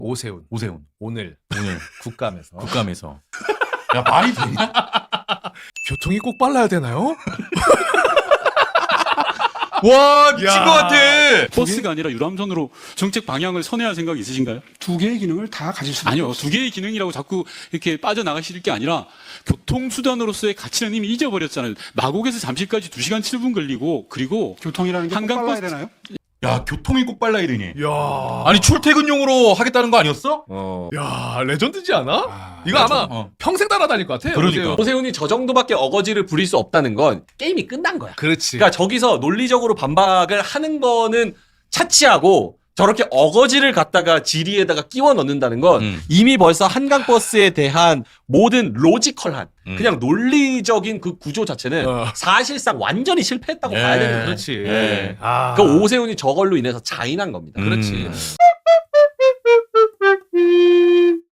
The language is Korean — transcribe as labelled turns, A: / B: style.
A: 오세훈. 오늘 국감에서.
B: 야, 말이 되냐?
A: 교통이 꼭 빨라야 되나요?
B: 와, 미친 것 같아.
C: 버스가 아니라 유람선으로 정책 방향을 선회할 생각 있으신가요?
D: 두 개의 기능을 다 가질 수
C: 아니요. 두 개의 기능이라고 자꾸 이렇게 빠져나가실 게 아니라 교통수단으로서의 가치는 이미 잊어버렸잖아요. 마곡에서 잠실까지 2시간 7분 걸리고 그리고
D: 교통이라는 게 꼭
C: 한강
D: 빨라야
C: 버스-
D: 되나요?
B: 야, 교통이 꼭 빨라야 되니.
A: 야,
B: 아니, 출퇴근용으로 하겠다는 거 아니었어?
A: 야 레전드지 않아? 이거
B: 맞아.
A: 아마 평생 따라다닐 것 같아.
B: 그러니까.
A: 오세훈.
E: 오세훈이 저 정도밖에 어거지를 부릴 수 없다는 건 게임이 끝난 거야.
A: 그렇지.
E: 그러니까 저기서 논리적으로 반박을 하는 거는 차치하고 저렇게 어거지를 갖다가 지리에다가 끼워 넣는다는 건 이미 벌써 한강버스에 대한 모든 로지컬한 그냥 논리적인 그 구조 자체는 사실상 완전히 실패했다고 봐야 되는 거예요.
A: 그렇지.
E: 예.
A: 아,
E: 그 오세훈이 저걸로 인해서 자인한 겁니다.
A: 그렇지.
B: 음.